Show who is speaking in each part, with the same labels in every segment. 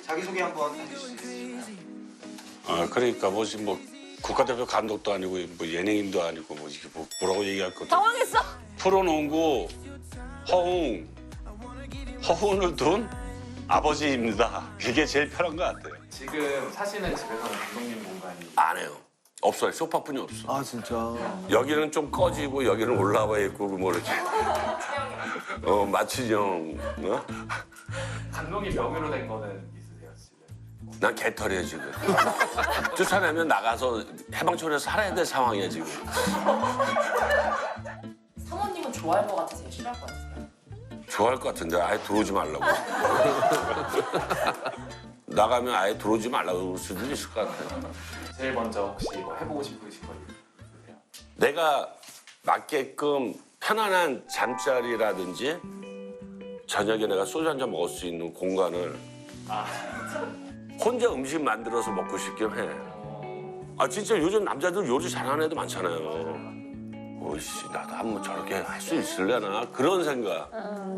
Speaker 1: 자기소개 한번 해주실 수 있을까요?
Speaker 2: 그러니까 뭐 국가대표 감독도 아니고 뭐 예능인도 아니고 뭐 이게 뭐라고 얘기할 것도.
Speaker 3: 당황했어.
Speaker 2: 프로농구 허훈을 둔 아버지입니다. 이게 제일 편한 것 같아요.
Speaker 4: 지금 사시는 집에서는 감독님 공간이
Speaker 2: 안 해요. 없어요. 소파뿐이 없어.
Speaker 5: 아 진짜.
Speaker 2: 여기는 좀 꺼지고 여기는 올라와 있고 뭐 이렇게. 마취형.
Speaker 4: 감독님 명의로 된 거는 있으세요 집에?
Speaker 2: 난 개털이야 지금. 쫓아내면 나가서 해방촌에서 살아야 될 상황이야 지금.
Speaker 3: 사모님은 좋아할 것 같으세요? 싫어할 것 같으세요?
Speaker 2: 좋아할 것 같은데 아예 들어오지 말라고. 나가면 아예 들어오지 말라고 그럴 수도 있을 것 같아요.
Speaker 4: 제일 먼저 혹시 뭐 해보고 싶으신 거 있으세요?
Speaker 2: 내가 맞게끔 편안한 잠자리라든지 저녁에 내가 소주 한 잔 먹을 수 있는 공간을 혼자 음식 만들어서 먹고 싶긴 해. 아 진짜 요즘 남자들 요리 잘하는 애도 많잖아요. 오이씨 나도 한번 저렇게 할 수 있을려나 그런 생각.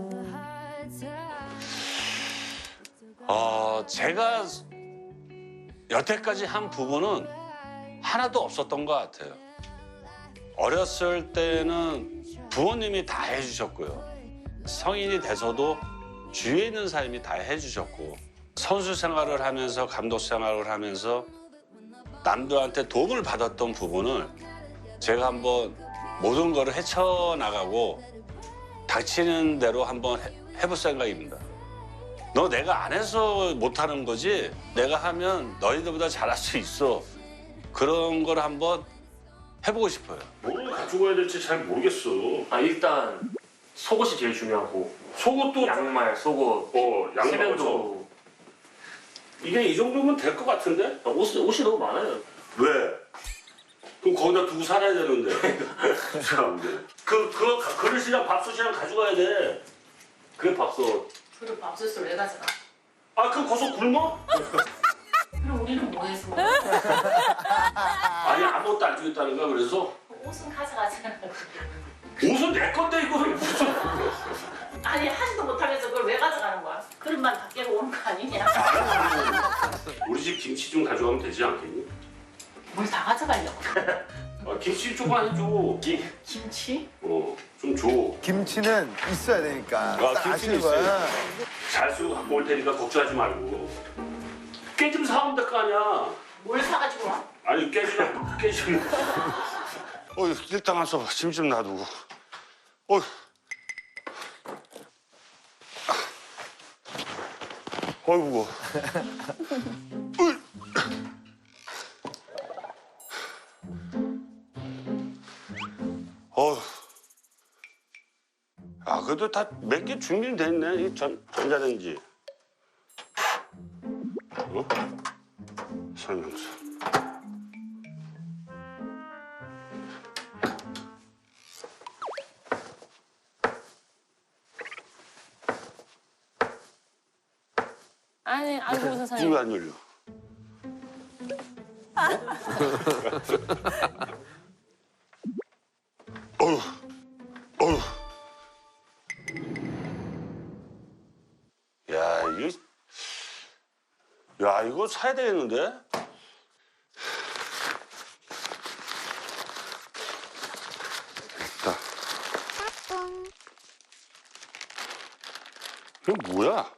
Speaker 2: 제가 여태까지 한 부분은 하나도 없었던 것 같아요. 어렸을 때는 부모님이 다 해주셨고요. 성인이 돼서도 주위에 있는 사람이 다 해주셨고 선수 생활을 하면서 감독 생활을 하면서 남들한테 도움을 받았던 부분을 제가 한번 모든 거를 헤쳐나가고 닥치는 대로 한번 해볼 생각입니다. 너 내가 안 해서 못하는 거지 내가 하면 너희들보다 잘할 수 있어. 그런 걸 한번 해보고 싶어요. 뭘 가지고 가야 될지 잘 모르겠어.
Speaker 6: 일단 속옷이 제일 중요하고
Speaker 2: 속옷도
Speaker 6: 양말, 속옷,
Speaker 2: 양말
Speaker 6: 세면도
Speaker 2: 이게 이 정도면 될 것 같은데?
Speaker 6: 옷이 너무 많아요.
Speaker 2: 왜? 그럼 거기다 두고 살아야 되는데. 참네. 그 그릇이랑 밥솥이랑 가져가야 돼.
Speaker 6: 그게 밥솥.
Speaker 3: 그리고 밥솥을 왜 가져가?
Speaker 2: 그럼 거기서 굶어?
Speaker 3: 그럼 우리는 뭐 해서?
Speaker 2: 아니 아무것도 안 주겠다는 거야 그래서?
Speaker 3: 옷은 가져가잖아.
Speaker 2: 옷은 내 건데 이거를 무슨?
Speaker 3: 아니 하지도 못하면서 그걸 왜 가져가는 거야? 그릇만 다 깨고 오는 거 아니냐?
Speaker 2: 우리 집 김치 좀 가져가면 되지 않겠니?
Speaker 3: 뭘 다 가져가려고?
Speaker 2: 김치 조금만 해줘.
Speaker 3: 김치?
Speaker 2: 좀 줘.
Speaker 5: 김치는 있어야 되니까. 딱
Speaker 2: 김치는
Speaker 5: 아시는 거야.
Speaker 2: 잘 쓰고 갖고 올 테니까 걱정하지 말고. 깨 좀 사오면 될 거 아니야.
Speaker 3: 뭘 사가지고 와?
Speaker 2: 아니 깨 좀. 일단 와서 짐 좀 놔두고. 어이구. 그래도 다 몇 개 준비됐네, 이 전자레인지. 설명서.
Speaker 3: 아이고 세상에.
Speaker 2: 왜 안 열려? 어휴. 이거 사야 되겠는데? 됐다. 이거 뭐야?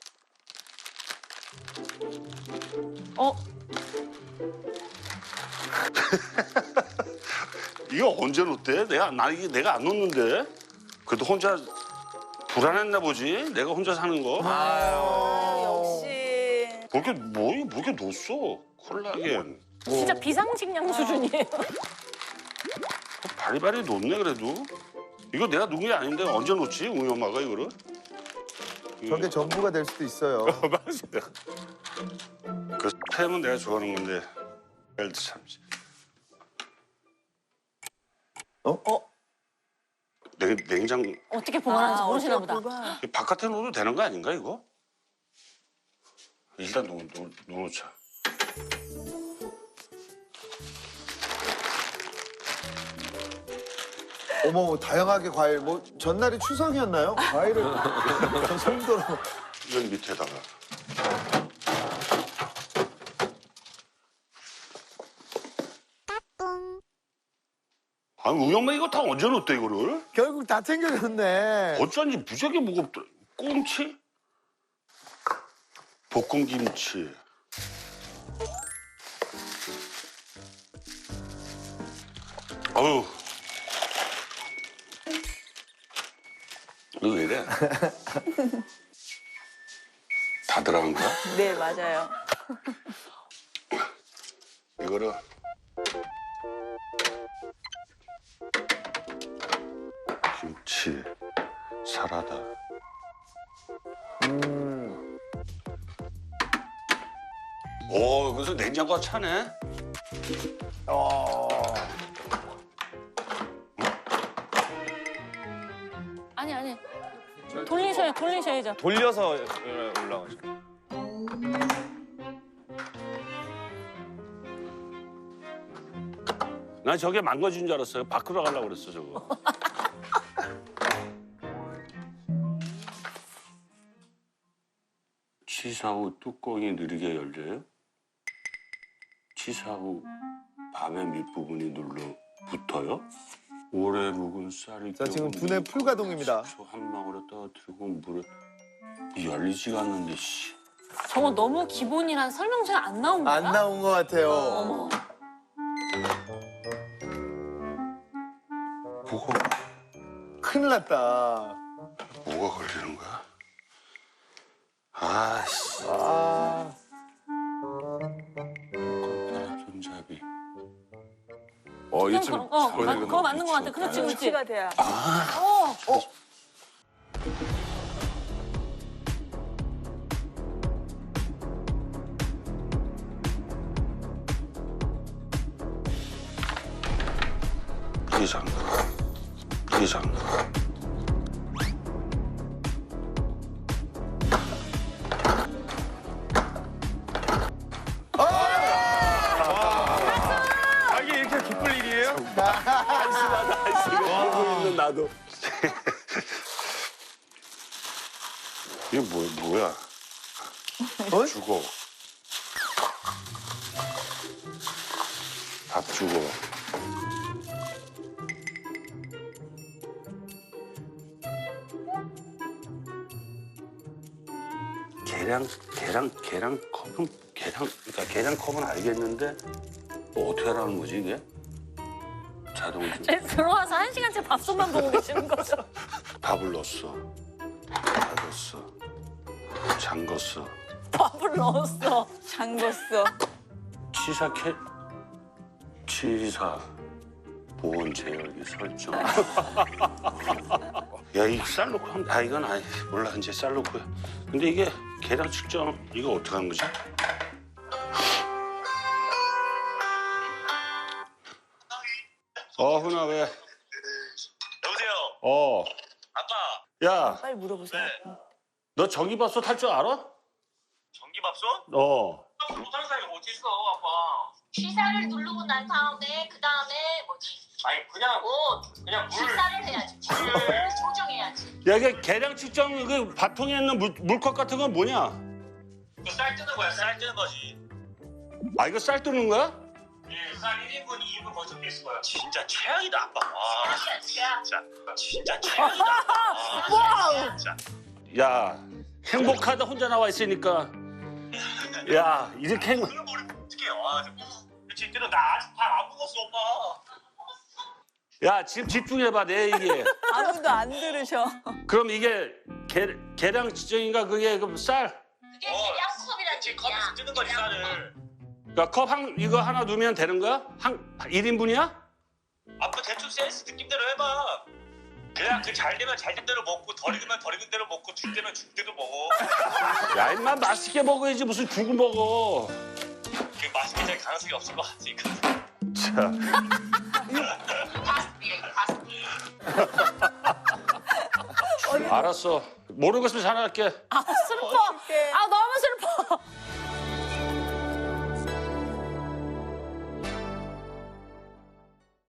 Speaker 2: 이거 언제 놓대? 이게 내가 안 놓는데? 그래도 혼자 불안했나 보지? 내가 혼자 사는 거?
Speaker 7: 역시.
Speaker 2: 뭐게 놓았어? 콜라겐.
Speaker 3: 진짜 비상식량 수준이에요.
Speaker 2: 바리바리 놓네 그래도. 이거 내가 놓은 게 아닌데 언제 놓지? 우리 엄마가 이거를?
Speaker 5: 저게 전부가 될 수도 있어요.
Speaker 2: 맞아요. 그 햄은 내가 좋아하는 건데. 참. 냉장
Speaker 3: 어떻게 보관하는지 모르시나 보다.
Speaker 2: 바깥에 놓어도 되는 거 아닌가 이거? 일단 놓자.
Speaker 5: 어머 다양하게 과일. 뭐 전날이 추석이었나요? 과일을 저 정도로.
Speaker 2: 이건 밑에다가. 아니 우리 엄마 이거 다 언제 넣었대 이거를?
Speaker 5: 결국 다 챙겨줬네.
Speaker 2: 어쩐지 무지하게 무겁더라. 꽁치? 볶음김치. 어휴. 이거 왜 이래? 다 들어간 거야?
Speaker 7: 네, 맞아요.
Speaker 2: 이거를 김치, 사라다. 오, 여기서 냉장고가 차네.
Speaker 8: 아니. 돌리셔야죠.
Speaker 1: 돌려서 올라가죠.
Speaker 2: 난 저게 망가진 줄 알았어요. 밖으로 가려고 그랬어, 저거. 취사 후 뚜껑이 느리게 열려요? 취사 후 밥의 밑부분이 눌러 붙어요? 오래 묵은 쌀이
Speaker 5: 자, 지금 두뇌 풀가동입니다.
Speaker 2: 한 방울에 떨어뜨리고 물에 열리지가 않는데 씨.
Speaker 8: 저거 너무 기본이란 설명서에 안 나온 거야?
Speaker 5: 안 나온 것 같아요.
Speaker 8: 어머.
Speaker 5: 큰일 났다.
Speaker 2: 뭐가 걸리는 거야? 아씨. 손잡이.
Speaker 1: 이쯤
Speaker 8: 그거 맞는 거 같아. 그렇지, 그렇지.
Speaker 7: 위치가 돼야.
Speaker 2: 이상.
Speaker 1: 이게 이렇게 기쁠 일이에요?
Speaker 2: 하고 있는 나도. 이게 뭐야? 주고. 밥 주고. 계량컵은 알겠는데 어떻게 하라는 거지 이게? 자동으로
Speaker 8: 들어와서 1시간째 밥솥만 보고 계시는 거죠?
Speaker 2: 밥을 넣었어, 닫았어, 잠궜어.
Speaker 8: 밥을 넣었어.
Speaker 7: 잠궜어.
Speaker 2: 치사 보온 제열기 설정. 야, 이 쌀 넣고 하면 이건 아니 몰라 이제 쌀 넣고. 근데 이게 계량 측정 이거 어떻게 하는 거지? 훈아 왜?
Speaker 9: 여보세요. 아빠.
Speaker 2: 야,
Speaker 7: 빨리 물어보세요.
Speaker 2: 너 전기밥솥 할 줄 알아?
Speaker 9: 전기밥솥? 못하는 사람이 어디 있어, 아빠.
Speaker 3: 취사를 누르고 난 다음에 그 다음에 뭐지?
Speaker 9: 아니 그냥 물.
Speaker 3: 취사를 해야지. 물을 조정해야지.
Speaker 2: 야, 이게 계량 측정 그 밥통에 있는 물컵 같은 건 뭐냐?
Speaker 9: 이거 쌀 뜨는 거야, 쌀 뜨는 거지.
Speaker 2: 아, 이거 쌀 뜨는 거야?
Speaker 9: 예, 쌀 1인분, 2인분 거의 적혀 있을 거야. 진짜 최악이다, 아빠. 와, 진짜 최악이다. 와, 진짜.
Speaker 2: 야, 행복하다 혼자 나와 있으니까. 야, 이렇게
Speaker 9: 그런 머리 어떻게 해? 와, 그치, 나 아직 밥 안 먹었어, 오빠.
Speaker 2: 야, 지금 집중해봐 내 얘기에.
Speaker 7: 아무도 안 들으셔.
Speaker 2: 그럼 이게 계량 측정인가 그게 그럼 쌀?
Speaker 3: 그게 계량컵이라는
Speaker 9: 그치,
Speaker 3: 얘기야.
Speaker 9: 컵에서 뜨는 거지, 쌀을.
Speaker 2: 그러니까 컵 이거 하나 두면 되는 거야? 1인분이야?
Speaker 9: 아빠 대충 센스 느낌대로 해봐. 그냥 그 잘 되면 잘 된 대로 먹고 덜 익으면 덜 익은 대로 먹고 죽 되면 죽 대로 먹어.
Speaker 2: 야, 임마 맛있게 먹어야지 무슨 죽을 먹어.
Speaker 9: 그 맛있게 될 가능성이 없을 것 같으니까.
Speaker 2: 자. 알았어. 모르는 거 있으면 전화할게.
Speaker 8: 아, 슬퍼. 아,